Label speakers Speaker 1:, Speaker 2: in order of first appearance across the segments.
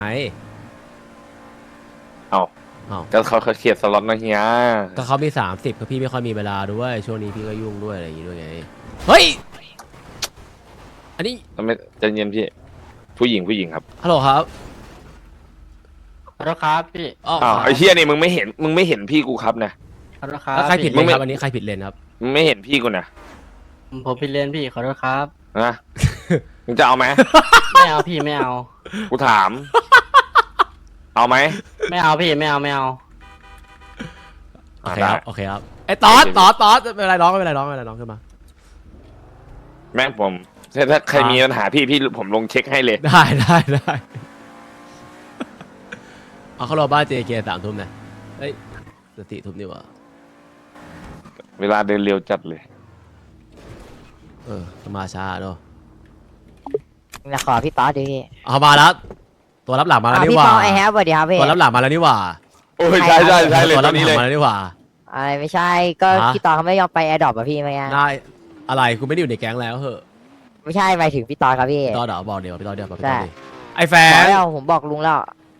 Speaker 1: ไอ้
Speaker 2: เอา
Speaker 1: อ้าว
Speaker 2: ก็เขาเคลียร์สล็อตนะเฮีย
Speaker 1: ก็เขามี30ก็พี่ไม่ค่อยมีเวลาด้วยช่วงนี้พี่ก็ยุ่งด้วยอะไรอย่างงี้ด้วยไงเฮ้ยอันนี้
Speaker 2: ทำไมใจเย็นพี่ผู้หญิงครับ
Speaker 1: ฮัลโหลครับ
Speaker 3: ขอโทษครับพี่
Speaker 1: อ๋อ
Speaker 2: อ้าวไอ้เฮียนี่มึงไม่เห็นพี่กูครับนะ
Speaker 3: ขอโทษครับ
Speaker 1: แล้วใครผิดเล
Speaker 2: มึ
Speaker 1: น
Speaker 2: งไม่
Speaker 1: ครับอันนี้ใครผิดเลนครับ
Speaker 2: มึงไม่เห็นพี่กูนะ
Speaker 3: ผมผิดเรียนพี่ขอโทษครับ
Speaker 2: นะ มึงจะเอาไหม
Speaker 3: ไม่เอาพี่ไม่เอา
Speaker 2: กูถาม เอาไหม
Speaker 3: ไม่เอาพี่ไม่เอาไม่เอา
Speaker 1: โอเคครับโอเคครับไอ้ตอสไม่เป็นไรน้องไม่เป็นไรน้องขึ้นมา
Speaker 2: แม่งผมถ้าใครมีปัญหาพี่ผมลงเช็คให้เลย
Speaker 1: ได้เอาเขารอบ้าน JK 3 ทุ่มนะเฮ้ยสติทุ่มนี่หว่า
Speaker 2: เวลาเดินเร็วจัดเลย
Speaker 1: มาช้าเนาะ
Speaker 4: จะขอพี่ป๊อตดิพี่
Speaker 1: เอามาแล้วตัวรับหลังมาแล้วนี่
Speaker 4: พี่
Speaker 1: หว่า
Speaker 4: ป๊อตไอแฮปสวัสดีครับพี่
Speaker 1: ตัวรับหลังมาแล้วนี่หว่า
Speaker 2: โอ้ยใช่เลย
Speaker 1: ตัว
Speaker 2: ต
Speaker 1: รั
Speaker 2: อบ นนี้
Speaker 1: หลั
Speaker 2: เล
Speaker 1: ง
Speaker 2: ย
Speaker 1: มาแล้วนี่หว่า
Speaker 4: อะไรไม่ใช่ก็
Speaker 1: ฮะ
Speaker 4: พี่ตอนเขาไม่ยอมไปแอร์ดรอปอะพี่เมื่อกี้
Speaker 1: ได้อะไรกูไม่ได้อยู่ในแก๊งแล้วเหอะ
Speaker 4: ไม่ใช่หมายถึงพี่ตอนครับพี่
Speaker 1: พี่ตอดบอกเดี๋ยวพี่ตอดบอก
Speaker 4: ใช่
Speaker 1: ดิไอ้แฟ
Speaker 4: บอก
Speaker 1: น
Speaker 4: แล้วผมบอกลุงแล้ว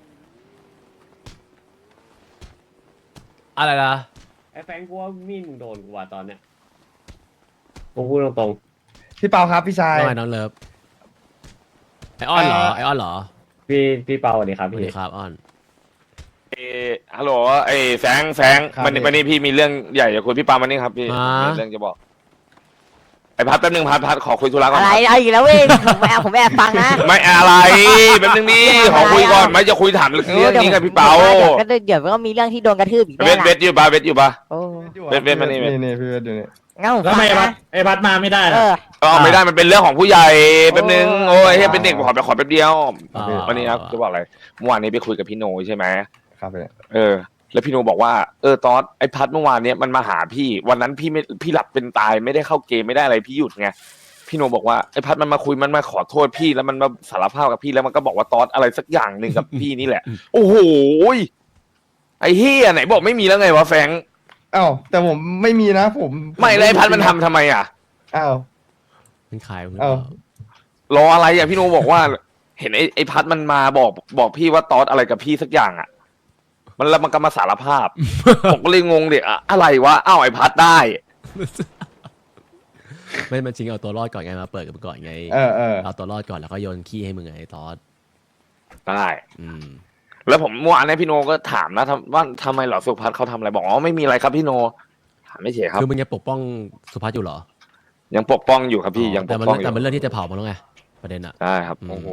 Speaker 1: อะไรนะ
Speaker 5: ไอ้แฟงกูว่ามีดมึงโดนกูว่ะตอนเนี้ยผมพูดตรง
Speaker 6: พี่เปาครับพี่ชาย
Speaker 1: น้องไอ้น้องเลิฟไอออนเหรอไอออนเหรอ
Speaker 5: ๆพี่เปาสวัสดีครับ
Speaker 1: สวัส
Speaker 5: พี่
Speaker 1: ดีครับออน
Speaker 2: ฮัลโหลไอ้แฟงวันนี้พี่มีเรื่องใหญ่จะคุยพี่ปามันนี่ครับพี่มีเรื่องจะบอกไอ้พัดแป๊บนึงพัดขอคุยธุระก่อน
Speaker 4: อะไรเอาอีกแล้วเว้ยผมแอบฟังนะ
Speaker 2: ไม่อะไรแป๊บนึงนี่ขอคุยก่อนไม่จะคุยถามเรื่องนี้กับพี่เปา
Speaker 4: ก็เดี๋ยวก็มีเรื่องที่โดนกระทืบอีก
Speaker 2: เว
Speaker 4: แน่
Speaker 2: ท
Speaker 4: นะ
Speaker 2: เวทอยู่ปะ
Speaker 4: โอ้
Speaker 2: เวทมานี่
Speaker 6: นี่พี่เวทอยู่นี่
Speaker 4: งั้นผม
Speaker 5: แล้ว
Speaker 4: ฟั
Speaker 5: ทำ
Speaker 4: ง
Speaker 5: ไม
Speaker 4: นะ
Speaker 5: ไอ้พัดมาไม่ได้
Speaker 4: เอ
Speaker 5: ล่ะ
Speaker 4: อ
Speaker 2: อ๋อไม่ได้มันเป็นเรื่องของผู้ใหญ่แป๊บนึงโอ้ยให้เป็นเด็กขอแป๊บเดียววันนี้ครับจะบอกอะไรเมื่อวานนี้ไปคุยกับพี่โนใช่ไหม
Speaker 6: ครับพี่
Speaker 2: แล้วพี่โนบอกว่าตอนไอ้พัดเมื่อวานเนี้ยมันมาหาพี่วันนั้นพี่หลับเป็นตายไม่ได้เข้าเกมไม่ได้อะไรพี่หยุดไงพี่โนบอกว่าไอ้พัดมันมาคุยมันมาขอโทษพี่แล้วมันมาสารภาพกับพี่แล้วมันก็บอกว่าตอนอะไรสักอย่างหนึ่งกับพี่นี่แหละ โอ้โหไอ้เฮียไหนบอกไม่มีแล้วไงวะแฟง
Speaker 6: อ้าวแต่ผมไม่มีนะผม
Speaker 2: ไม่แล้วไอ้พัดมันทำไมอ่ะ
Speaker 6: อ้าว
Speaker 1: มันขาย
Speaker 6: เอ้า
Speaker 2: รออะไรอ่ะพี่โนบอกว่า เห็นไอ้พัดมันมาบอกพี่ว่าตอสอะไรกับพี่สักอย่างอ่ะ แล้วมันก็มาสารภาพ ผมก็เลยงงเด็กอะไรวะอ้าวไอ้พัดได้
Speaker 1: ไม่มันจริงเอาตัวรอดก่อนไงมาเปิดกันก่อนไง เอาตัวรอดก่อนแล้วก็โยนขี้ให้มึงไงไอ้ตอส
Speaker 2: ได้
Speaker 1: อืม
Speaker 2: แล้วผมเมื่อวานเนี้พี่โนก็ถามนะว่าทำไมเหรอสุพัฒน์เขาทำอะไรบอกอ๋อไม่มีอะไรครับพี่โนถามไม่เฉยครับ
Speaker 1: คือมึงยังปกป้องสุภัสอยู่เหรอ
Speaker 2: ยังปกป้องอยู่ครับพี่ยังป
Speaker 1: แต่
Speaker 2: ก
Speaker 1: มัน
Speaker 2: ป้องอ
Speaker 1: แต่
Speaker 2: ยู่
Speaker 1: มันเรื่องที่จะเผามันแล้วไงประเด็นอะ
Speaker 2: ได้ครับ
Speaker 1: อืม
Speaker 2: โอ้โห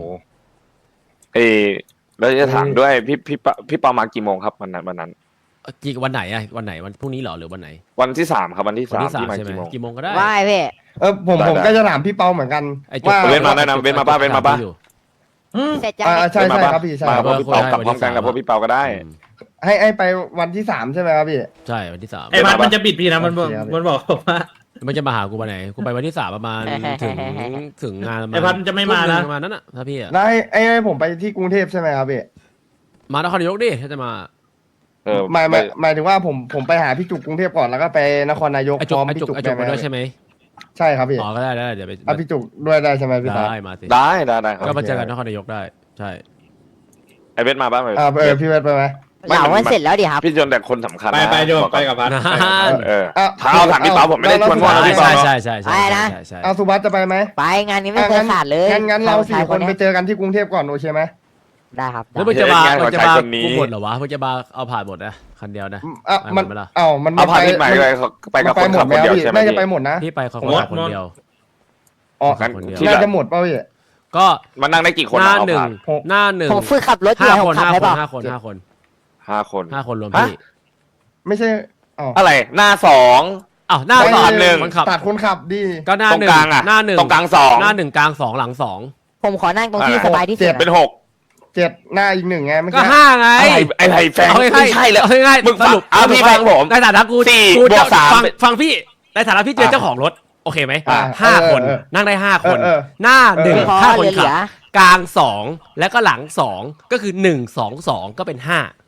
Speaker 2: แล้วจะถามด้วยพี่ปามากี่โมงครับวันนั้น
Speaker 1: จีวันไหนอะวันไหนวันพรุ่งนี้เหรอหรือวันไหน
Speaker 2: วันที่ 3ครับวันที่
Speaker 1: วัน
Speaker 2: 3
Speaker 1: ที่
Speaker 2: ที่มา
Speaker 1: ใช่ไหม
Speaker 2: กี่โมง
Speaker 1: กี่โมงก็ได้
Speaker 4: ว่าไงพี่
Speaker 6: ผม
Speaker 2: ได้
Speaker 6: ก็จะถามพี่เปาเหมือนกัน
Speaker 1: ไอ้จุก
Speaker 6: ว่า
Speaker 2: เว้นมาได้นะเว้นมาป่ะ
Speaker 1: อยู่
Speaker 4: เสร็จจะ
Speaker 6: ใช่ครับพี่ใช่
Speaker 2: มา
Speaker 6: ครับ
Speaker 2: พวกพี่เปากลับพร้อมกันกับพวกพี่เปาก็ได้
Speaker 1: อืม
Speaker 6: ให้ไปวันที่3ใช่ไหมครับพี่
Speaker 1: ใช่วันที่ 3
Speaker 5: ไอ้พัดมันจะบิดพี่นะมันบอก
Speaker 6: โอเคครับ
Speaker 5: มันบอกว่า
Speaker 1: มันจะมาหากูวันไหนกูไปวันที่ 3ประมาณถึงงานประมาณ
Speaker 5: ไอ้พัดมันจะไม่มานะ
Speaker 1: ประมาณนั้นอะถ้าพี่อะ
Speaker 6: แล้วให้ผมไปที่กรุงเทพใช่ไหมครับพี่
Speaker 1: มานครนายกดิถ้าจะมา
Speaker 6: หมายถึงว่าผมไปหาพี่จุกกรุงเทพก่อนแล้วก็ไปนครนายก
Speaker 1: ไอ้
Speaker 6: พ
Speaker 1: จุก
Speaker 6: ร้อม
Speaker 1: ไอ้
Speaker 6: พี่
Speaker 1: จุก
Speaker 6: จุก
Speaker 1: ไอ้จุก
Speaker 6: ได้
Speaker 1: มา
Speaker 6: ไหม
Speaker 1: ด้วยใช่ไหม
Speaker 6: ใช่ครับพี่
Speaker 1: อ๋อก็ได้เดี๋ยวไป
Speaker 6: เอาพี่จุกด้วยได้ใช่ไหมพี่ตา
Speaker 1: ได้มาสิ
Speaker 2: ได้ครับ
Speaker 1: ก็มาเจอกันนครนายกได้ใช่
Speaker 2: ไอเวทมาป่ะ
Speaker 6: พี่เวทไปไหม
Speaker 4: เหล่ามันเสร็จแล้วดิครับ
Speaker 2: พี่จนแต่คนสำคัญ
Speaker 5: ไปโยมไปกับพัด
Speaker 1: นะ
Speaker 2: ถามพี่เปาผมไม่ได้ชวนว่าพี่เปา
Speaker 1: ใช่
Speaker 2: เนาะ
Speaker 1: ใช่
Speaker 4: ไปนะ
Speaker 1: ใช่
Speaker 6: เอาสุภัสจะไปไหม
Speaker 4: ไปงานนี้ไม่เคยขาดเลย
Speaker 6: งั้นเรา4 คนไปเจอกันที่กรุงเทพก่อนโอเคไหม
Speaker 4: ได้ครับ
Speaker 1: แล้วมึงจะมากูหมดเหรอวะมึงจะมาเอาผ่านหมดนะคันเดียวนะ
Speaker 6: มัน
Speaker 1: ไปหมดไหมล่ะ
Speaker 6: มัน
Speaker 2: เอาพาพี่ใหม่ไปกับคนขับคนเดียวใช่ไหม
Speaker 6: น่าจะ
Speaker 2: พี่
Speaker 6: ไปหมดนะ
Speaker 1: พี่ไปคนเดียว
Speaker 6: อ๋อ
Speaker 2: งั้น
Speaker 6: น่าจะหมดเปล่าพี่
Speaker 1: ก็
Speaker 2: มันนั่งได้กี่คน
Speaker 1: หน้า
Speaker 2: เอา
Speaker 1: หนึ่ง
Speaker 2: ผ่าน
Speaker 1: หน้าหนึ่ง
Speaker 4: ผมฝึกขับรถอยู่
Speaker 1: 5
Speaker 4: ผ
Speaker 1: ค
Speaker 4: ม
Speaker 1: น
Speaker 4: ขับให้เปล่า
Speaker 1: 5 คน
Speaker 2: 5 คน
Speaker 1: 5 คนรวมพี่
Speaker 6: ไม่ใช่อ๋อ
Speaker 2: อะไรหน้า2
Speaker 1: อ้าวหน้า
Speaker 2: ไม่
Speaker 1: สอง
Speaker 2: หนึ่ง
Speaker 1: คนขับ
Speaker 6: ตัดคนขับดี
Speaker 1: ก็หน้า
Speaker 2: ตรง
Speaker 1: หนึ่ง
Speaker 2: กลางอ่ะ
Speaker 1: หน้าหนึ่ง
Speaker 2: ตรงกลาง
Speaker 1: หน้า1กลาง2หลัง2
Speaker 4: ผมขอนั่งตรงที่สบายที่สุด
Speaker 2: เป็น6
Speaker 6: 7หน้าอีก1ไงไม่
Speaker 1: ก็
Speaker 6: ใช่
Speaker 1: 5ไง
Speaker 2: อะไรแฟง
Speaker 1: เอา
Speaker 2: ไม่ใช่แล้ว
Speaker 1: ง่ายๆ
Speaker 2: มึง
Speaker 1: สรุป
Speaker 2: เอาพี่ฟังผม
Speaker 1: ในฐานะกู
Speaker 2: 4
Speaker 1: กู
Speaker 2: บวก
Speaker 1: ฟัง
Speaker 2: 3
Speaker 1: ฟังพี่ในฐานะพี่เป็นเจ้าของรถโอเคไหม 5 คนนั่งได้5 คน หน้า
Speaker 4: พอ
Speaker 1: 1 5 คน
Speaker 4: เหลื
Speaker 1: ขับ
Speaker 4: อก
Speaker 1: ลาง2แล้วก็หลัง2ก็คือ1 2 2ก็เป็น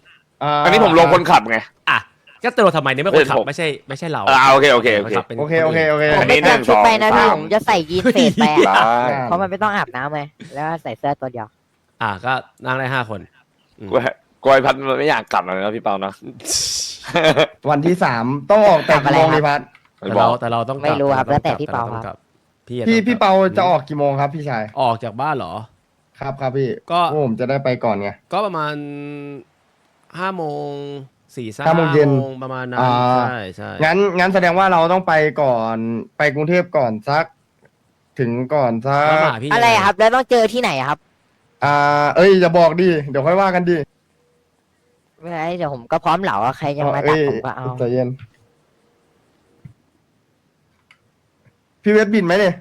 Speaker 1: 5
Speaker 2: อันนี้ผมลงคนขับไง
Speaker 1: อ่ะก็ตัวทำไมเนี่ยไม่คนขับไม่ใช่เรา
Speaker 2: โอเค
Speaker 1: มันขับเป็น
Speaker 6: โอเค
Speaker 4: ผมไม่เตรียมชุดไปนะพี่ผมจะใส่ยีนเฟสไป
Speaker 2: ได้
Speaker 4: เพราะมันไม่ต้องอาบน้ำไงแล้วใส่เสื้อตัวเดียว
Speaker 1: ก็นั่งได้5 คน
Speaker 2: กวยพัดมันไม่อยากกลับเลยนะพี่เปานะ
Speaker 6: วันที่3ต้องออกแต่กี่โมงดีพัด
Speaker 1: แต่เราต้องกลั
Speaker 4: ไม่รู้ครับ
Speaker 1: แต่
Speaker 4: แล้วแต่
Speaker 1: ต้อง
Speaker 4: พี่เปา
Speaker 1: ต้อง
Speaker 4: ค
Speaker 1: ก
Speaker 4: รั
Speaker 1: ลั
Speaker 4: บ
Speaker 6: พี่เปาจะออกกี่โมงครับพี่ชาย
Speaker 1: ออกจากบ้านเหรอ
Speaker 6: ครับพี่
Speaker 1: ก็
Speaker 6: ผมจะได้ไปก่อนไง
Speaker 1: ก็ประมาณ5 โมง
Speaker 6: 5 โมงเย็น
Speaker 1: ประมาณนั้น
Speaker 6: อ่า
Speaker 1: ใช่
Speaker 6: งั้นแสดงว่าเราต้องไปก่อนไปกรุงเทพก่อนสัก ถึงก่อนสัก
Speaker 1: แล้วมาหาพี่
Speaker 4: อะไรครับ แล้วต้องเจอที่ไหนครับ
Speaker 6: อย่าบอกดิเดี๋ยวค่อยว่ากันดิ
Speaker 4: ไม่เป็นไรเดี๋ยวผมก็พร้อมเหลาอะใครจะมาดักผมก็เอา
Speaker 6: ใจเย็นพี่เวทบินไหมเนี่ย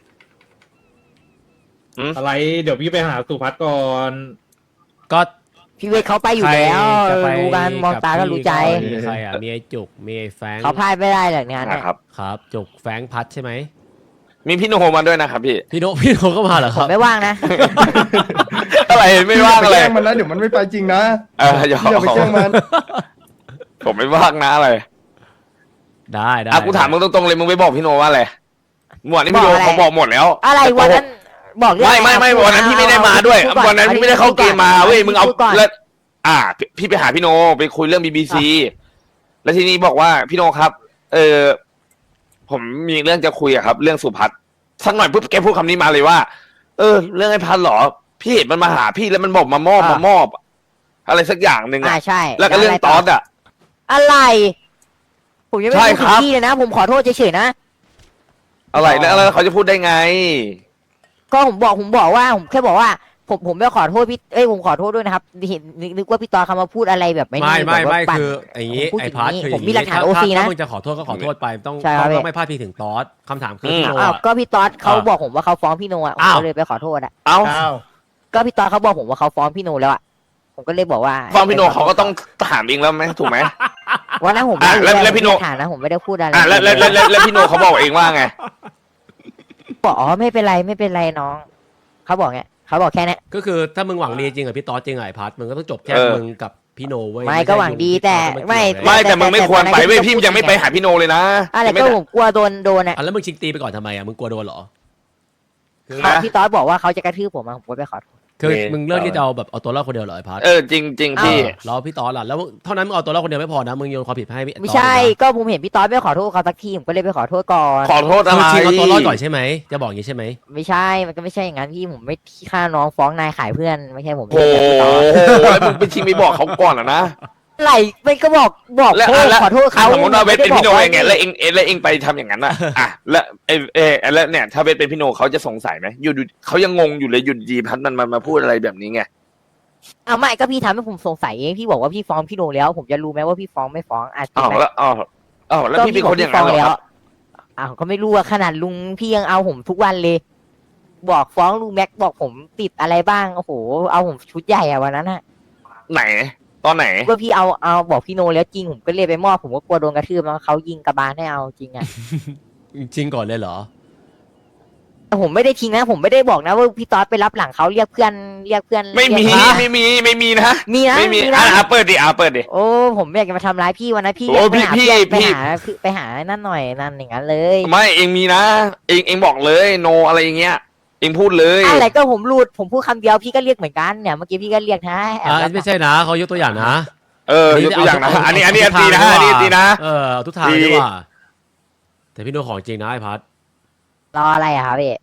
Speaker 7: อะไรเดี๋ยวพี่ไปหาสุพัฒน์ก่อน
Speaker 1: ก็
Speaker 4: พี่เวทเขาไปอยู่แล้ว
Speaker 1: ใครจะไป
Speaker 4: รู้กันมองตาก็รู้ใจ
Speaker 1: มีใครอ่ะมีไอ้จุกมีไอ้แฟง
Speaker 4: เขาพลาดไม่ได้หรอกงานเนี่ย
Speaker 2: นะครับ
Speaker 1: ครับจุกแฟงพัดใช่ไหม
Speaker 2: มีพี่โนมาด้วยนะครับพี่
Speaker 1: พี่โนก็มาเหรอ
Speaker 4: ผ
Speaker 1: ครั
Speaker 4: ม
Speaker 1: บ
Speaker 4: ไม่ว่างนะ
Speaker 2: อะไรไม่ว่างอะไร
Speaker 6: พี่อย่าไปแกล้งมันนะเดี๋ยวมันไม่ไปจริงนะ
Speaker 2: อย่า
Speaker 6: พี่อย่าไปแกล้งมัน
Speaker 2: ผมไม่ว่างนะอะไร
Speaker 1: ได้
Speaker 2: กูถามมึงตรงๆเลยมึงไปบอกพี่โนว่าอะไรเมื่อวานนี้พี่โน
Speaker 4: บอกอะไร
Speaker 2: เขาบอกหมดแล้ว
Speaker 4: อะไรวันนั้นบอกเรื่อง
Speaker 2: ไม่วันนั้นพี่ไม่ได้มาด้วยวันนั้นพี่ไม่ได้เข้าเกมมาเว้ยมึงเอาแล้วพี่ไปหาพี่โนไปคุยเรื่อง BBC แล้วทีนี้บอกว่าพี่โนครับ ผมมีเรื่องจะคุยอะครับ เรื่องสุพัฒน์สักหน่อยปุ๊บแกพูดคำนี้มาเลยว่า เรื่องไอ้พัฒน์เหรอ พี่เห็นมันมาหาพี่แล้วมันบอกมามอบอะไรสักอย่างหนึ่งอะ
Speaker 4: ใช่
Speaker 2: แล้วก็เรื่องตอสอะ
Speaker 4: อะไร ผมยังไม่
Speaker 2: ใช่
Speaker 4: พูด
Speaker 2: ค
Speaker 4: ถึ
Speaker 2: รั
Speaker 4: ง
Speaker 2: บ
Speaker 4: พี่เลยนะ ผมขอโทษเฉยๆนะ
Speaker 2: อะไรแล้วเขาจะพูดได้ไง
Speaker 4: ก็ผมบอกว่าผมแค่บอกว่า ผมไม่ขอโทษพี่ผมขอโทษด้วยนะครับเห็นนึกว่าพี่ตอคำมาพูดอะไรแบบไม่
Speaker 1: ไม่
Speaker 4: แบบว่าปั่น
Speaker 1: คืออย่างนี้
Speaker 4: ผมพูด
Speaker 1: ไอ้
Speaker 4: ถึง
Speaker 1: พัด
Speaker 4: นี้
Speaker 1: คืออ
Speaker 4: ผ
Speaker 1: ย่าม ง
Speaker 4: มี
Speaker 1: นี้
Speaker 4: หลักฐาน
Speaker 1: ถ้
Speaker 4: OC นะ
Speaker 1: มึงจะขอโทษก็ขอโทษไปต้อง
Speaker 4: ใช่ครับ
Speaker 1: ต้องไม่พลาดพิงถึงตอสคำถามคือพี่โน
Speaker 4: อ้าว
Speaker 1: อะ
Speaker 4: ก็พี่ตอสเขาบอกผมว่าเขาฟ้องพี่โนอ่ะผม
Speaker 1: อ้าว
Speaker 4: ก็เลยไปขอโทษอ่ะ
Speaker 2: เอ้า
Speaker 4: ก็พี่ตอสเขาบอกผมว่าเขาฟ้องพี่โนแล้วอ่ะผมก็เลยบอกว่า
Speaker 2: ฟังพี่โนเขาก็ต้องถามเองแล้วไหมถูกไหม
Speaker 4: วันนั้นผมไม่
Speaker 2: แล้วพี่โน
Speaker 4: ฐานนะผมไม่ได้พูดอะไร
Speaker 2: แล้วพี่โนเขาบอกเองว่าไง
Speaker 4: บอกอ๋อไม่เป็นไรน้องเขาบอกไงเขาบอกแค่เนี้ย
Speaker 1: ก็คือถ้ามึงหวังดีจริงกับพี่ตอสจริงอะไอ้พัดมึงก็ต้องจบแค่มึงกับพี่โนเว้ย
Speaker 4: ไม่ก็หวังดีแต่ไม่
Speaker 2: ไม่แต่มึงไม่ควรไปเว้ยพี่ยังไม่ไปหาพี่โนเลยนะ
Speaker 4: อะไรก็ผมกลัวโดนอ่ะ
Speaker 1: แล้วมึงชิงตีไปก่อนทำไมอะมึงกลัวโดนเหรอ
Speaker 4: พี่ตอสบอกว่าเขาจะกระทืบผมผมก็ไปขอโทษ
Speaker 1: คือมึงเลือกที่จะเอาตัวรอดคนเดียวเหรอไอ้พัด
Speaker 2: จริงพี่
Speaker 1: แล้วพี่ตอสล่ะแล้วเท่านั้นมึงเอาตัวรอดคนเดียวไม่พอนะมึงโยนความผิดให้พี่
Speaker 4: ไม่ใช่ก็ผมเห็นพี่ตอสไม่ขอโทษเขาสักทีผมก็เลยไปขอโทษก่อน
Speaker 2: ขอโทษ
Speaker 1: ต
Speaker 2: อะ
Speaker 1: อ
Speaker 2: ไร
Speaker 1: สชิงเอาตัวรอดก่อนใช่ไหมจะบอกอย่างนี้ใช่ไหม
Speaker 4: ไม่ใช่มันก็ไม่ใช่อย่างนั้นพี่ผมไม่ที่ฆ่าน้องฟ้องนายขายเพื่อนไม่ใช่ผม
Speaker 2: โอ้โหแล้วมึงไปชิงไปบอกเขาก่อนนะ
Speaker 4: อะไรไม่ก็บอก
Speaker 2: แล้ว
Speaker 4: ขอโทษเขา
Speaker 2: สมมติว่าเวทเป็นพี่โน
Speaker 4: ไม่
Speaker 2: เอง
Speaker 4: ได้
Speaker 2: ไง
Speaker 4: บอก
Speaker 2: แล้วเองไปทำอย่างนั้นอ่ะแล้วแล้วเนี่ยถ้าเวทเป็นพี่โนเขาจะสงสัยไหมอยู่เขายังงงอยู่เลยหยุดดีพัดมันมาพูดอะไรแบบนี้ไง
Speaker 4: เอาไม่ก็พี่ทำให้ผมสงสัยเองพี่บอกว่าพี่ฟ้องพี่โนแล้ว ผมจะรู้ไหมว่าพี่ฟ้องไม่ฟ้องอ่ะจริงไหม
Speaker 2: แล้วพี่เป็นคนอย่างนั้นเหรอครับ
Speaker 4: อ้าวก็ไม่รู้อะขนาดลุงพี่ยังเอาผมทุกวันเลย บอกฟ้องลุงแม็กบอกผมติดอะไรบ้างโอ้โหเอาผมชุดใหญ่อะวันนั้นอะ
Speaker 2: ไหนตอนไหน
Speaker 4: ว่าพี่เอาบอกพี่โนแล้วจริงผมก็เลยไปมอบผมก็กลัวโดนกระทืบแล้วเขายิงกระบาลให้เอาจริงอะ
Speaker 1: จริงก่อนเลยเหรอ
Speaker 4: แต่ผมไม่ได้ทิ้งนะผมไม่ได้บอกนะว่าพี่ตอสไปรับหลังเขาเรียกเพื่อน
Speaker 2: ไม่มี
Speaker 4: เรียก
Speaker 2: ไม่มีนะ
Speaker 4: มีนะ
Speaker 2: ไม่มี
Speaker 4: นะ
Speaker 2: เปิดดิ
Speaker 4: โอ้ผมไม่อยากจะมาทำร้ายพี่วันนั้นพี่
Speaker 2: โอ้
Speaker 4: ไปหา
Speaker 2: พี่
Speaker 4: เพื่อน
Speaker 2: พี่
Speaker 4: ไปหานั่นหน่อยนั่นอย่างนั้นเลย
Speaker 2: ไม่เองมีนะเองบอกเลยโนอะไรอย่างเงี้ยเองพูดเลย
Speaker 4: อะไรก็ผมพูดคำเดียวพี่ก็เรียกเหมือนกันเนี่ยเมื่อกี้พี่ก็เรียกนะแอบรับ
Speaker 1: ไม่ใช่นะเขายกตัวอย่างนะ
Speaker 2: ยกตัวอย่างนะอันนี้ตีนะ
Speaker 1: เอาทุกทางเลยดีกว่าแต่พี่โนของจริงนะไอ้พัด
Speaker 4: รออะไรอะครับพี่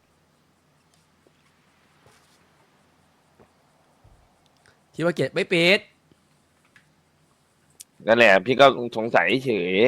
Speaker 1: คิดว่าเกตไม่ปิด
Speaker 2: นั่นแหละพี่ก็สงสัยเฉย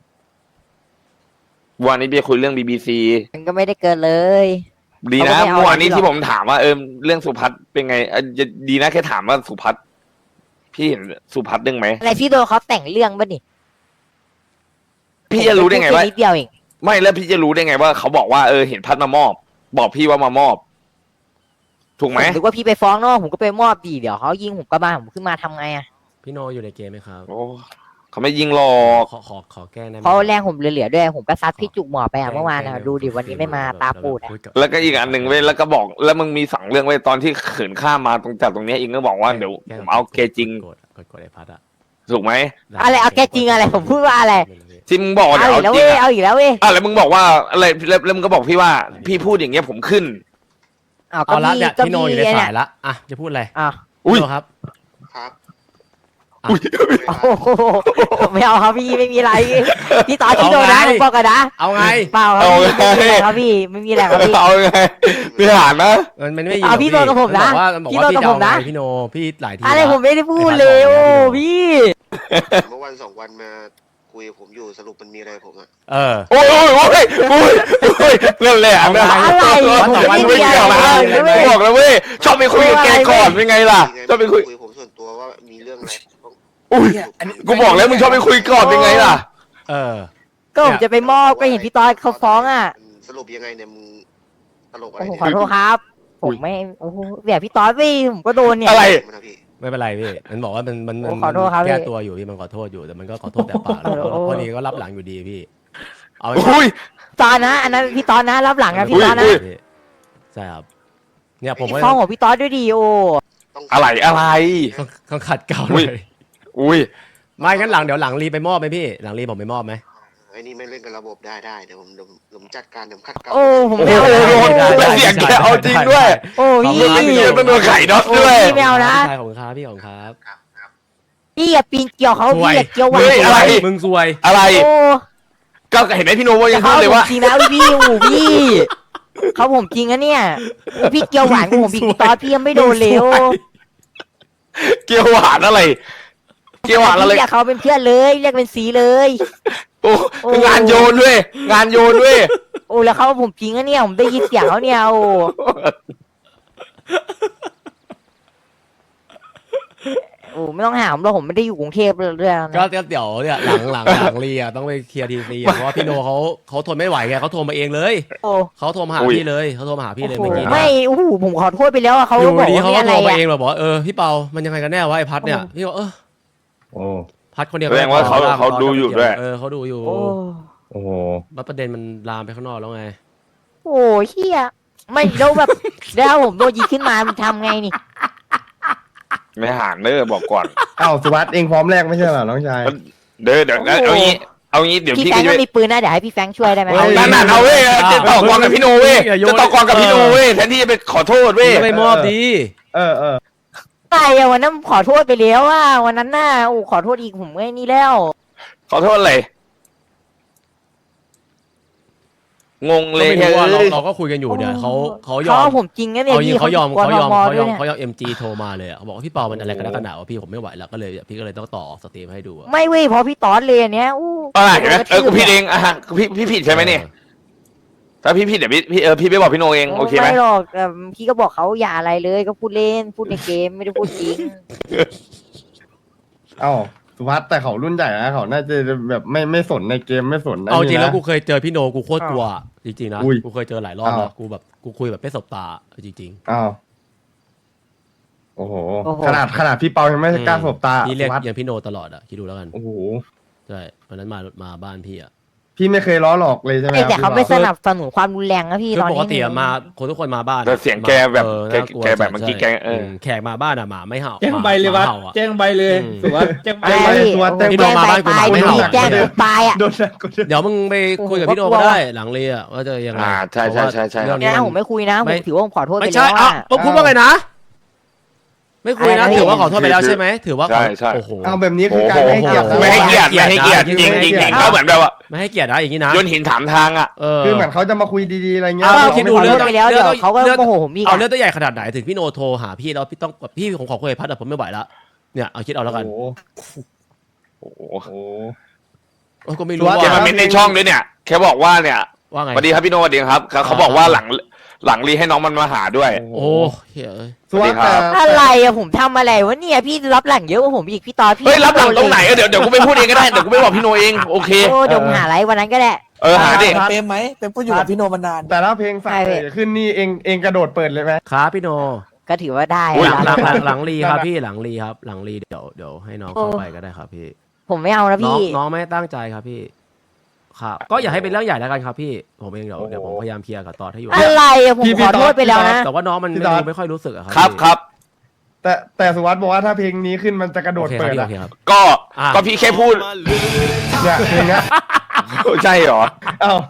Speaker 2: วันนี้พี่คุยเรื่อง BBC
Speaker 4: มันก็ไม่ได้เกินเลย
Speaker 2: ดีนะ
Speaker 4: เขาก็ไม่เอา
Speaker 2: เมื่อวานนี้
Speaker 4: อะไรหรอก
Speaker 2: ที่ผมถามว่าเรื่องสุพัฒน์เป็นไงดีนะแค่ถามว่าสุพัฒน์พี่เห็นสุพัฒน์เรื่องไหม
Speaker 4: อะไรพี่โดนเขาแต่งเรื่องป่ะนี่
Speaker 2: พี่จะรู้ได้ไงว่า
Speaker 4: ผมแค่พูแค่นิดเดียวเอง
Speaker 2: ไม่แล้วพี่จะรู้ได้ไงว่าเขาบอกว่าเห็นพัฒน์มามอบ บอกพี่ว่ามามอบ ถูกไหม
Speaker 4: ผมนึกว่าพี่ไปฟ้องนอกผมก็ไปมอบดีเดี๋ยวเขายิงผมกระบาลผมขึ้นมาทำไงอะ
Speaker 1: พี่โนอยู่ในเกมไหมครับ
Speaker 2: โอ้เขาไม่ยิงหรอก
Speaker 1: ขอแก้ได้ไหม
Speaker 4: เพราะแรงผมเหลือๆด้วยผมก็ซัดพี่จุกหมอไปอะเมื่อวานอะดูดิวันนี้ไม่มาตาปูดอะ
Speaker 2: แล้วก็อีกอันหนึ่งเว้ยแล้วก็บอกแล้วมึงมีสั่งเรื่องไว้ตอนที่เขินข้ามมาตรงจากตรงเนี้ยเองก็บอกว่าเดี๋ยวผมเอาเกจริง
Speaker 1: กดไอ้พัดอะ
Speaker 2: ถูกไหม
Speaker 4: อะไรเอาแกจริงอะไรผมพูดว่าอะไร
Speaker 2: ที่มึงบอกว่า
Speaker 4: เอา
Speaker 2: เดี๋ยว
Speaker 4: อีกแล้ว
Speaker 2: เอาจ
Speaker 4: เว้
Speaker 2: ริ
Speaker 4: ย
Speaker 2: ง
Speaker 4: เอาอีกแล้วเว้ย
Speaker 2: แล้วมึงบอกว่าอะไรแล้วมึงก็บอกพี่ว่า พี่พูดอย่างเงี้ยผมขึ้น
Speaker 4: อ้าว
Speaker 1: เอาละ
Speaker 4: พี่
Speaker 1: เนี่ย
Speaker 4: ก็
Speaker 1: พี่โนอยู่ใน
Speaker 4: พี่
Speaker 1: สา
Speaker 4: เนี่ย
Speaker 1: ยละอ่ะจะพูดอะไร
Speaker 4: อ้าว
Speaker 2: อุ้ย
Speaker 1: พี่โนครับ
Speaker 8: ครับ
Speaker 1: อ่ะ
Speaker 4: โอ้โหไม่เอาครับพี่ไม่มีอะไรพี่ตอนพี่
Speaker 1: เอา
Speaker 4: โดนนะ
Speaker 1: ไง
Speaker 4: ผมบอกกันนะ
Speaker 1: เอาไง
Speaker 4: เปล่าครับพี่ไม่มีอะไรครับพี่ไม่มีอะไรครับพี่
Speaker 2: เอาไงพี่หานนะ
Speaker 1: มันไม่อยู่
Speaker 4: เอาพี่โนกับผมนะ
Speaker 1: บอก
Speaker 4: พี่
Speaker 1: ว่า
Speaker 4: โน
Speaker 1: พี่
Speaker 4: กับ
Speaker 1: จะ
Speaker 4: ผ
Speaker 1: เอา
Speaker 4: ม
Speaker 1: ไง
Speaker 4: นะ
Speaker 1: พี่โนพี่หลายที
Speaker 4: อะไร
Speaker 1: ละ
Speaker 4: ผมไม่ได้พูดเลย โอ้พี่
Speaker 8: เมื่อวันสองวันมาคุยกับผมอยู่สรุปมันมีอะไรผมอะ
Speaker 1: เออ
Speaker 2: โอ้ยโอ้ยโอ้ยโอ้ยเรื่องแหละนะ
Speaker 4: อะไร
Speaker 2: วันสองวัน
Speaker 4: ผม
Speaker 2: ไม่
Speaker 4: ไม่มี
Speaker 2: เกี่ยวนะ
Speaker 4: อะไรเลย
Speaker 2: บอกแล้วเว้ยชอบไปคุยกับแกก่อนเป็นไงล่ะชอบไปคุย
Speaker 8: ผมส่วนตัวว่ามีเรื่องอะไรต้อง
Speaker 2: อุ้ยกูบอกแล้วมึงชอบไปคุยก่อนเป็นไงล่ะ
Speaker 1: เออ
Speaker 4: ก็ผมจะไปมอบก็เห็นพี่ตอนเขาฟ้องอ่ะ
Speaker 8: สรุปยังไงเนี่ยมึงตลกอะไร
Speaker 4: โอ้โห
Speaker 8: เนี่ย
Speaker 4: ขอโทษครับ ผมไม่โอ้โหแบบพี่ตอนพี่ผมก็โดนเนี่ย
Speaker 2: อะไร
Speaker 8: มันนะพี่
Speaker 1: ไม่เป็นไรพี่มันบอกว่ามัน
Speaker 4: โอ้ขอโทษครับ
Speaker 1: แก้
Speaker 4: พี่
Speaker 1: ตัวอยู่พี่มันขอโทษอยู่แต่มันก็ขอโทษแต่ปากแล้ว
Speaker 4: โอ้
Speaker 1: พอดีก็รับหลังอยู่ดีพี่ เอาไว้
Speaker 2: อุ้ย
Speaker 4: ตอนนะอันนั้นพี่ตอนนะรับหลังนะพี่ตอนนะ
Speaker 2: อุ้ย
Speaker 1: พี่ใช่ครับเนี่ยผม
Speaker 4: พี่
Speaker 1: ก็
Speaker 4: ฟ้องของพี่ตอนด้วยดีโอ
Speaker 8: ต้อง
Speaker 2: อะไรอะไร
Speaker 1: ต้องขัดเกลา
Speaker 2: อุ้
Speaker 1: เลย ย
Speaker 2: อุ้ย
Speaker 1: ไม่งั้นหลังเดี๋ยวหลังรีไปมอบไหมพี่หลังรีผมไปมอบไหม
Speaker 8: ไอ้นี่ไม่เล่นกับระบบได้เดี๋ยวผมจัดการเดี๋ยวผมคัดเกลา
Speaker 4: โอ้ผม
Speaker 2: โอ้
Speaker 4: ไม่
Speaker 2: โห
Speaker 4: เอานะ
Speaker 2: แต่เสียงแกเอาจริงด้วย
Speaker 4: โอ้พี่
Speaker 2: พี่ต้องโดนไข่น็อต
Speaker 4: โอ้
Speaker 2: ด้วย
Speaker 4: พี่ไม่เอานะ
Speaker 1: ใช่ของครับพี่ของครับ
Speaker 4: พี่อย่าปีนเกี่ยวเขา
Speaker 1: สวย
Speaker 4: พี่อย่าเกี่ยวหวา
Speaker 2: เฮ้ยอะไร
Speaker 1: มึงซวย
Speaker 2: อะไร
Speaker 4: โอ้
Speaker 2: ก็เห็นไหมพี่โนว่ายัง
Speaker 4: เขา
Speaker 2: พูดเลย
Speaker 4: ผม
Speaker 2: ว่า
Speaker 4: จริงนะพี่โอ้พี่เขาผมจริงนะเนี่ยโอ้พี่เกี่ยวหวานกับผมพี่ตอนพี่ยังไม่โดนเลยโอ้
Speaker 2: เกียวหวานอะไร เกียวหวานอะไร
Speaker 4: พี่อยากเขาเป็นเพื่อนเลยเรียกเป็นสีเลย
Speaker 2: โอ้
Speaker 4: โอ้
Speaker 2: งานโยนด้วย งานโยนด้วย
Speaker 4: โอ้แล้วเขาผมจริงนะเนี่ยผมได้ยินเสียงเขาเนี่ยโอ้โอ้ไม่ต้องหามหรอกผมไม่ได้อยู่กรุงเทพเลยด้วยนะ
Speaker 1: ก็เดี๋ยวเนี่ยหลังรีอ่ะต้องไปเคลียร์ทีซีเพราะว่าพี่โนเขาทนไม่ไหวไงเขาโทรมาเองเลย
Speaker 4: โอ้
Speaker 1: เขาโทรมาหา
Speaker 2: อุ้ย
Speaker 1: พี่เลยเขาโทรมาหาพี่เลย
Speaker 4: โอ้
Speaker 1: เมื่อ
Speaker 4: โห
Speaker 1: กี้
Speaker 4: ไม่โอ้โหผมขอโทษไปแล้วอะเขา
Speaker 1: อยู่
Speaker 4: บอก
Speaker 1: ดี
Speaker 4: ว่า
Speaker 1: เขา
Speaker 4: มี
Speaker 1: ก็
Speaker 4: อะ
Speaker 1: โท
Speaker 4: ไร
Speaker 1: รมา
Speaker 4: อะ
Speaker 1: เองเราบอกว่าพี่เปามันยังไงกันแน่วะไอ้พัดเนี่ยพี่บอก
Speaker 6: โอ้
Speaker 1: พัดคนเดียว
Speaker 2: แสดงว่าเขาดูอยู่ด้วย
Speaker 1: เขาดูอยู่
Speaker 4: โอ้
Speaker 6: โอ้โห
Speaker 1: แล้วประเด็นมันลามไปข้างนอกแล้วไง
Speaker 4: โอ้เฮียไม่แล้วแบบแล้วผมโดนยิงขึ้นมามันทำไงนี่
Speaker 2: ไม่หานเด้อบอกก่อน
Speaker 6: เอ้าสุวัสด์เองพร้อมแรกไม่ใช่เหรอน้องชาย
Speaker 2: เดี๋ยวเอางี้เดี๋ยว
Speaker 4: พี่
Speaker 2: พี่
Speaker 4: แฟง
Speaker 2: จะ
Speaker 4: ก็
Speaker 2: ไป
Speaker 4: มีปืนนะเดี๋ยวให้พี่แฟงช่วยได้ไหม
Speaker 6: เฮ้ย
Speaker 2: นั่นเอาเว้ยจะต่อกรกับพี่โนเว้ยจะต่อกรกับพี่โนเว้ยแทนที่จะไปขอโทษเว้ย
Speaker 1: ไม่มอบดี
Speaker 6: เออ
Speaker 4: ใช่อะวันนั้นขอโทษไปแล้วว่าวันนั้นน่ะโอ้ขอโทษอีกผมไม่นี่แล้ว
Speaker 2: ขอโทษอะไรงงเลย
Speaker 1: ไม่รู้ว่า
Speaker 2: เฮ้ย
Speaker 1: เราก็คุยกันอยู่เนี่ยเขายอ
Speaker 4: เขา
Speaker 1: ม
Speaker 4: เอาผมจริงนะเนี่ย
Speaker 1: เอาจริง
Speaker 4: พี่
Speaker 1: เขายอม
Speaker 4: กลัว
Speaker 1: เขายอม
Speaker 4: ต
Speaker 1: เขา
Speaker 4: ด้
Speaker 1: ย
Speaker 4: ว
Speaker 1: อม
Speaker 4: นี่
Speaker 1: เขายอม MG โทรมาเลยเขาบอกว่าพี่เปามันอะไรกันนักกันหนาวะพี่ผมไม่ไหวแล้วก็เลยพี่ก็เลยต้องต่อสตรีมให้ดูอะ
Speaker 4: ไม่เว้ยเพราะพี่ตอสเลยอันเนี้ยอู้
Speaker 2: เห็นไหมกูผิดเองอ่ะพี่ผิดใช่ไหมเนี่ยถ้าพี่ผิดเดี๋ยวพี่ไปบอกพี่โนเองโอเคไหม
Speaker 4: ไม่หรอกแต่พี่ก็บอกเขาอย่าอะไรเลยก็พูดเล่นพูดในเกมไม่ได้พูดจริง
Speaker 6: เอ้าสุวัสด์แต่เขารุ่นใหญ่นะเขาน่าจะแบบไม่สนในเกมไม่สนนะ
Speaker 1: เอาจริงแล้ว
Speaker 6: นี่นะ
Speaker 1: กูเคยเจอพี่โนกูโคตรกลัวจริงๆนะ
Speaker 6: อุ้ย
Speaker 1: กูเคยเจอหลายรอบแล้ว
Speaker 6: อ้าว
Speaker 1: กูแบบกูคุยแบบไม่สบตาจริง
Speaker 6: อ้าวโอ้โห
Speaker 4: โอ้โห
Speaker 6: ขนาดพี่เปายังไม่กล้าสบตา
Speaker 1: พี่เรียก
Speaker 6: สุวัสด์
Speaker 1: อย่างพี่โนตลอดอ่ะคิดดูแล้วกัน
Speaker 6: โอ้โห
Speaker 1: ใช่วันนั้นมาบ้านพี่อ่ะ
Speaker 6: พี่ไม่เคยล้อหลอกเลยใช่ไหม
Speaker 4: แต่เขาไม่
Speaker 6: พี่
Speaker 4: ส
Speaker 6: ป
Speaker 4: นับสนุนความรุนแรงนะพี่
Speaker 1: คือ
Speaker 4: ตอน
Speaker 1: ป
Speaker 4: นี้
Speaker 1: กติอะมาคนทุกคนมาบ้าน
Speaker 2: แต่เสียงแกแบบ
Speaker 1: น่ากลัว
Speaker 2: แกแบบเมื่อกี้
Speaker 1: ใช่
Speaker 2: แก
Speaker 1: แขกมาบ้านอะหมาไม่เห่า
Speaker 7: แจ้งใบเลยวัด
Speaker 1: หมาห่าอะ
Speaker 7: แจ้งใบเลย
Speaker 1: อืม
Speaker 7: สุวัสด์แจ้งใบ
Speaker 4: ไอ้
Speaker 7: เลย
Speaker 6: ตัวเต็ม
Speaker 1: พี่โดนมาบ้านกู
Speaker 4: ตาย
Speaker 1: ไม่
Speaker 4: ไม่
Speaker 1: เห่า
Speaker 4: มีแจ้งกูตายอ่ะ
Speaker 6: โดนนะกูโดน
Speaker 1: เดี๋ยวมึงไปคุยกับพี่โน
Speaker 4: โอ้โห
Speaker 1: ก็ได้หลังเรียว่าจะยังไง
Speaker 2: ใช่
Speaker 1: เพราะว่า
Speaker 2: ใช่
Speaker 1: เรื่อง
Speaker 4: เนี่ย
Speaker 1: นี้
Speaker 4: ผมไม่คุยนะผมถือว่าผมขอโทษไป
Speaker 1: ไม่
Speaker 4: แล้
Speaker 1: ใช่
Speaker 4: ว
Speaker 1: อ่ะ
Speaker 4: อ่ะ
Speaker 1: พูดว่าไงนะ ไม่คุยนะ
Speaker 4: อะไรนะ
Speaker 1: ถือว่าขอโทษไปแล้วใช่ไหมถือว่า
Speaker 2: ใช่ใช่
Speaker 1: โอ้โห
Speaker 6: เอาแบบนี้คือการ
Speaker 2: โอ้โห
Speaker 6: ให้เกียรติ
Speaker 2: ไม่ให้เกียรติไม่ให้เกียรติจริงจริงก็เหมือนแบบว่า
Speaker 1: ไม่ให้เกียรตินะอย่างนี้นะ
Speaker 2: โยนหินถามทางอ่ะ
Speaker 1: เออ
Speaker 6: คือเหมือนเขาจะมาคุยดีๆอะไรเงี้ย
Speaker 1: เอา
Speaker 6: รา
Speaker 1: คิดดู
Speaker 6: ไม่
Speaker 1: เรื่อง
Speaker 6: ทำ
Speaker 4: ไปแล้วเดี๋ยวเขาก็โมโหผมอีก
Speaker 1: เอา
Speaker 4: อ่ะ
Speaker 1: เรื่องตัวใหญ่ขนาดไหนถึงพี่โนโทรหาพี่แล้วพี่ต้องแบบพี่ผมขอคุยกับพัดแต่ผมไม่ไหวแล้วเนี่ยเอาคิดเอาแล้วกัน
Speaker 6: โอ้โห
Speaker 2: โอ้โห
Speaker 6: โอ้โห
Speaker 1: เออก็ไม่รู้
Speaker 2: แก
Speaker 1: ว่า
Speaker 2: มาเม้นในช่องด้วยเนี่ยแค่บอกว่าเนี่ย
Speaker 1: ว่าไง
Speaker 2: สวัสดีครับพี่โนสวัสดีครับเขาบอกว่าหลังรีให้น้องมันมาหาด้วย
Speaker 1: โอ้เฮ้ย
Speaker 6: สุวัสด์แต่
Speaker 4: อะไรอะผมทำอะไรวะเนี่ยพี่รับหลังเยอะกว่าผมอีกพี่ตอพี่
Speaker 2: เฮ้ยรับหลังตรงไหนเดี๋ยวกูไปพูดเองก็ได้เดี๋ยวกูไปบอกพี่โนเองโอเค
Speaker 4: โอ้เดี๋ยวผมหาอะไรวันนั้นก็ได้
Speaker 2: หาดิ
Speaker 9: เปรมไหมเปรมก็อยู่กับพี่โนมานาน
Speaker 6: แต่ถ้าเพลงฝาก
Speaker 4: ใช่พี่
Speaker 6: ขึ้นนี่เองกระโดดเปิดเลยไหม
Speaker 1: ครับพี่โน
Speaker 4: ก็ถือว่าได้
Speaker 2: อุ๊ย
Speaker 1: หลัง
Speaker 4: อะ
Speaker 1: หลังรีครับพี่หลังรีครับหลังรีเดี๋ยวให้น้องเข้าไปก็ได้ครับพี่
Speaker 4: ผมไม่เอานะ
Speaker 1: น้อง
Speaker 4: พี่
Speaker 1: น้องไม่ตั้งใจครับพี่ครับก็อย่าให้เป็นเรื่องใหญ่แล้วกันครับพี่ผมเองเดี๋ยวผมพยายามเคลียร์กับตอดให้อยู่
Speaker 4: อะไรอะผมขอโทษไปแล้วนะ
Speaker 1: แต่ว่าน้องมันไม่ค่อยรู้สึกอะครั
Speaker 2: ครับ
Speaker 1: พี่
Speaker 2: ครับ
Speaker 6: แต่สุวัสด์บอกว่าถ้าเพลงนี้ขึ้นมันจะกระโด
Speaker 1: โอ
Speaker 6: ด
Speaker 1: เคค
Speaker 6: เปิ
Speaker 1: รับ
Speaker 6: ด
Speaker 1: พี่โอ
Speaker 6: อะ
Speaker 1: เคครับ
Speaker 2: ก็
Speaker 1: อ่ะ
Speaker 2: ก็พี่แค่พูด
Speaker 6: เนี่ยเพลงเนี้ย
Speaker 2: ใช่เหรอ
Speaker 6: เอ้า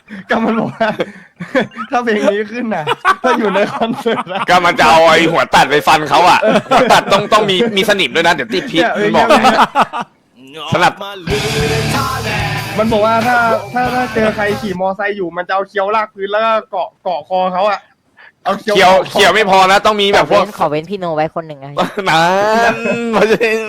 Speaker 6: ก็มันบอกว่า ถ้าเพลงนี้ขึ้นน่ะ ถ้าอยู่ในคอนเสิร์ตอะ
Speaker 2: ก็มันจะเอาไอ้หัวตัดไปฟันเขาอ่ะหัวตัดต้องมีสนิมด้วยนะเดี๋ยวติดพิษมันบอกนะสลับ
Speaker 6: มันบอกว่าถ้าเจอใครขี่มอไซค์อยู่มันจะเอาเคี้ยวลากพื้นแล้วก็เกาะคอเขาอะเอาเคี้ยว
Speaker 2: เขียวไม่พอนะต้องมีแบบพวก
Speaker 4: ขอเว้นพี่โนไว้คนหนึ่งอะ
Speaker 2: นั้นเพราะฉะนั้น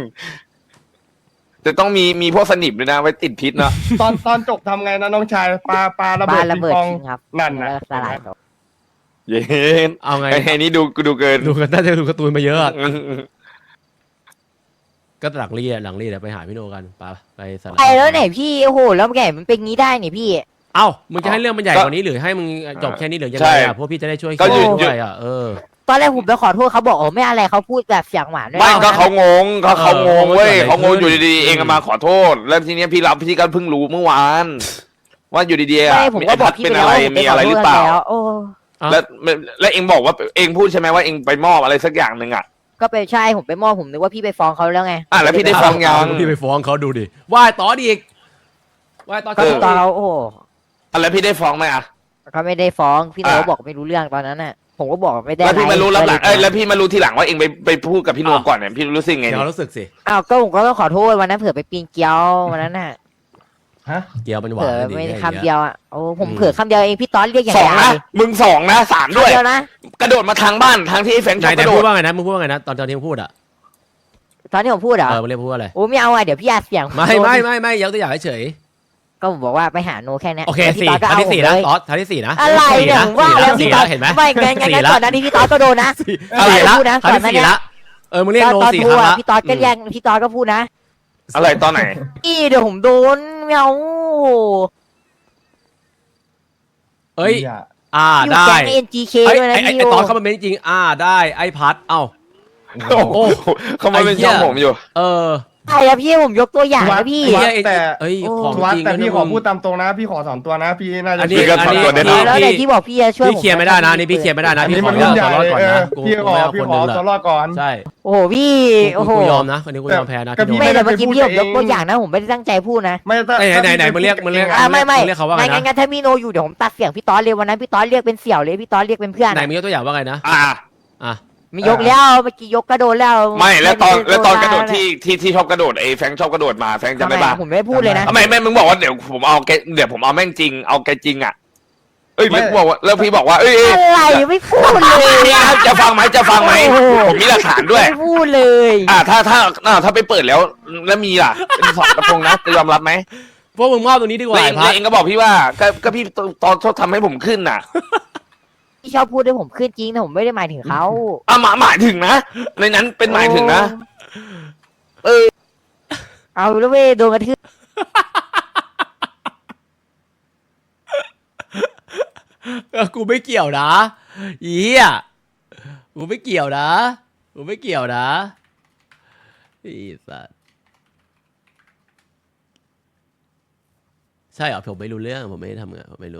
Speaker 2: จะต้องมีพวกสนิมด้วยนะไว้ติดพิษเนาะ
Speaker 6: ตอนจบทำไงนะน้องชายปลาระ
Speaker 4: บ้า
Speaker 6: เบิด
Speaker 4: นระเบิด
Speaker 6: ปิงปอง
Speaker 4: จริงครับ
Speaker 6: นั่นนะ
Speaker 4: แล้วสลายตัว
Speaker 2: เย็น
Speaker 1: เอาไง
Speaker 2: ไอ้นี่ดูเกิน
Speaker 1: ดูกันน่าจะดูการ์ตูนมาเยอะอะก็หลังรีดไปหาพี่โนกันไปสาร
Speaker 4: ไปแล้วไหนพี่โอ้โหแล้วไงมันเป็นงี้ได้นี่พี่
Speaker 1: เอ้ามึงจะให้เรื่องมันใหญ่กว่านี้หรือให้มึงจบแค่นี้หรือยังไงอ่ะพวกพี่จะได้ช่วย
Speaker 2: ก็หยุด
Speaker 1: ด้วยอ่ะ
Speaker 4: ตอนแรกผมไปขอโทษเขาบอกโอ้ไม่อะไรเขาพูดแบบเสียงหวานด้วย
Speaker 2: ไม่ก็
Speaker 4: นะ
Speaker 2: เขางงเขางงเว้ยเขางงอยู่ดีๆเองก็มาขอโทษ แล้วทีเนี้ยพี่ก็เพิ่งรู้เมื่อวาน ว่าอยู่ดีๆอ่ะ
Speaker 4: ไม่ผมก็บอกพี่
Speaker 2: เป็น
Speaker 4: ไป
Speaker 2: อะ
Speaker 4: แล้ว
Speaker 2: ไร
Speaker 4: ว่าผมไป
Speaker 2: มี
Speaker 4: ข
Speaker 2: อะไร
Speaker 4: โท
Speaker 2: หรือ
Speaker 4: ษ
Speaker 2: เปล่า
Speaker 4: แล้วโอ้
Speaker 2: แล้วเองบอกว่าเองพูดใช่ไหมว่าเองไปมอบอะไรสักอย่างหนึ่งอ่ะ
Speaker 4: ก็ไปใช่ผมไปมอบผมนึกว่าพี่ไปฟ้องเขาแล้วไง
Speaker 2: แล้วพี่ได้ฟ้องยัง
Speaker 1: พี่ไปฟ้องเขาดูดิว่ายต่ออีกว่ายต่อ
Speaker 4: ก็ตอนเราโอ้โห
Speaker 2: แล้วพี่ได้ฟ้องไหมอ่ะ
Speaker 4: เขาไม่ได้ฟ้องพี่โน
Speaker 2: อ่ะ
Speaker 4: บอกไม่รู้เรื่องตอนนั้นน่ะ ผมก็บอกไม่ได้
Speaker 2: แล้วพี่มารู้รับหลัง
Speaker 4: อะไร
Speaker 2: แล้วพี่มารู้ทีหลังว่าเองไปพูดกับพี่โนก่อนเนี่ยพี่รู้สึกไง
Speaker 1: เดี๋ยว
Speaker 2: เนี่ย
Speaker 1: รู้สึกสิ
Speaker 4: อ้าวก็ผมก็ต้องขอโทษวันนั้นเผื่อไปปีนเกลียววันนั้นน่ะ
Speaker 6: ฮะ
Speaker 1: เกียวมันหวา
Speaker 4: เผื่
Speaker 1: น
Speaker 4: อ
Speaker 1: ดี
Speaker 4: ไม่ได้
Speaker 1: แ
Speaker 4: คำเดียวอ่ะโอ้ผมเผื่อคำเดียวเองพี่ตอนเรียกอย่าง
Speaker 2: สอง
Speaker 4: ไร
Speaker 2: นะมึงสองนะสามด้วย
Speaker 4: คำเดียวนะ
Speaker 2: กระโดดมาทางบ้านทางที่ไอ้แฟน
Speaker 1: ไห
Speaker 2: ชอบ
Speaker 1: น
Speaker 2: กระโด
Speaker 1: พู
Speaker 2: ด
Speaker 1: ดว่าไงนะมึงพูดว่าไงนะตอนที่มึงพูดอ่ะ
Speaker 4: ตอนที่ผมพูดเหรอ
Speaker 1: มึงเรียกพูดว่าอะไร
Speaker 4: โอ้ไม่เอาอ่ะเดี๋ยวพี่อาเสียง
Speaker 1: ไม่ยกตัวอย่างเฉย
Speaker 4: ก็ผมบอกว่าไปหาโนแค่นี้
Speaker 1: โอเค
Speaker 4: แล้วพี่
Speaker 1: สี่
Speaker 4: ตอนก็
Speaker 1: ทัน
Speaker 4: เอา
Speaker 1: ที่
Speaker 4: ผม
Speaker 1: สี่
Speaker 4: เล
Speaker 1: นะ
Speaker 4: ย
Speaker 1: ตอสทันที่สี่นะ
Speaker 4: อะไรเนี่ยผมว่าแล้ว
Speaker 1: สี่
Speaker 4: พี่ต
Speaker 1: แล้
Speaker 4: อ
Speaker 1: วน เห็นไหม
Speaker 4: ไม่งั้นก่อนหน้านี้พี่ตอนก็โดนนะ
Speaker 1: อะไรละ
Speaker 4: พูดนะ
Speaker 1: ทันที่สี่ละมึงเรียกโน
Speaker 4: ตอน
Speaker 1: สี่
Speaker 4: พู
Speaker 1: ค
Speaker 4: ด
Speaker 1: รั้ง
Speaker 4: อ่ะ
Speaker 1: ละ
Speaker 4: พี่ตอนก็แย่งพี่ตอนก็พูดนะ
Speaker 2: อะไรตอนไหน
Speaker 4: พี่เดี๋ยวผมโดนไม่เอา
Speaker 1: เอ้ย
Speaker 6: เหี้ย
Speaker 4: อยู่
Speaker 1: ได้
Speaker 4: แก๊ง NGK ด้วยนะ
Speaker 1: ไอ้
Speaker 4: พี่
Speaker 1: ตอนเข้ามาเป็นจริงได้ไอ้พัดเอ้า
Speaker 2: โอ้โหเขามาเป็นช่องผมอยู่
Speaker 4: ใช่อะพี่ผมยกตัวอย่างนะพี่
Speaker 6: วัดแต่
Speaker 1: เอ้ย
Speaker 4: โอ้
Speaker 1: ของ
Speaker 6: วัด
Speaker 1: จริง
Speaker 6: แต่พี่ขอพูด
Speaker 1: นะ
Speaker 6: ตามตรงนะ พี่ขอสอนตัวนะ พี่น่าจะ
Speaker 1: อันนี้
Speaker 2: พี่ก็ถอนตัวได้
Speaker 4: แล้วไหนที่บอกพี่จะช่วย
Speaker 1: พี่เคลียร์ไม่ได้นะนี่พี่เคลียร์ไม่ได้นะ
Speaker 6: อัน
Speaker 1: พี่
Speaker 6: นี้
Speaker 1: ขอ
Speaker 6: มัน
Speaker 1: เลื
Speaker 6: รุ่
Speaker 1: อน ก
Speaker 6: ใหญ่
Speaker 1: ตัวรอดก่อนนะ
Speaker 6: พี่ขอ
Speaker 1: ไม่เอา
Speaker 6: พี่
Speaker 1: คน
Speaker 6: ข
Speaker 1: ห
Speaker 6: อ
Speaker 1: นึ่ง
Speaker 6: ตัว
Speaker 1: ละ
Speaker 6: รอดก่อน
Speaker 1: ใช่
Speaker 4: โอ้โหพี่โอ้โห
Speaker 1: กูยอมนะคนนี้กูยอมแพ้นะ
Speaker 6: ก็พี่
Speaker 4: ไม่แต่เมื่อกี้
Speaker 6: ไม่
Speaker 4: พี่
Speaker 6: ได้
Speaker 4: ผมยก
Speaker 6: พูด
Speaker 4: ตัว
Speaker 6: เอง
Speaker 4: อย่างนะผมไม่ได้ตั้งใจพูดนะ
Speaker 6: ไม่ถ้า
Speaker 1: ไหนมึงเรียก
Speaker 4: ไม่
Speaker 1: เรียกเขาว่าไงนะ
Speaker 4: งั้นถ้าพี่โนอยู่เดี๋ยวผมตัดเสียงพี่ตอนเลยวันนั้นพี่ตอนเรียกเป็นเสี่ยวเลยพี่ตอนเรียกเป็นเพื่อน
Speaker 1: ไหนมึงยกตัวอย่างว่าไงนะ
Speaker 2: อ่า
Speaker 4: มียกแล้วเมื่อกี้ยกกระโดดแล้ว
Speaker 2: ไม่แล้วตอนกระโดดที่ชอบกระโดดไอ้แฟงชอบกระโดดมาแฟงจำได้ปะ
Speaker 4: ผมไม่ได้พูดเลยนะ
Speaker 2: ไม่มึงบอกว่าเดี๋ยวผมเอาแม่งจริงเอาแกจริงอ่ะเอ้ยแล้วบอกว่าแล้วพี่บอกว่าเอ้ย
Speaker 4: อะไรไม่พูดเลย
Speaker 2: จะฟังไหม
Speaker 4: โอ้โห
Speaker 2: ผมมีหลักฐานด้วย
Speaker 4: ไม่พูดเลย
Speaker 2: ถ้าไปเปิดแล้วมีล่ะเป็นสองกระทงนะจะยอมรับไหม
Speaker 1: พวกมึงมอบตรงนี้ดีกว่า
Speaker 2: แล้ว
Speaker 1: ไอ้พัด
Speaker 2: เองก็บอกพี่ว่าก็พี่ตอนชอบทำให้ผมขึ้นน่ะ
Speaker 4: พี่ชอบพูดด้วยผมขึ้นจริงแต่ผมไม่ได้หมายถึงเขา
Speaker 2: หมายถึงนะในนั้นเป็นหมายถึงนะ
Speaker 4: เอาแล้วเว้ยโดนกระทืบ
Speaker 1: กูไม่เกี่ยวนะอีเหี้ยกูไม่เกี่ยวนะกูไม่เกี่ยวนะอีสัสใช่เหรอผมไม่รู้เรื่องผมไม่ได้ทำงานผมไม่รู้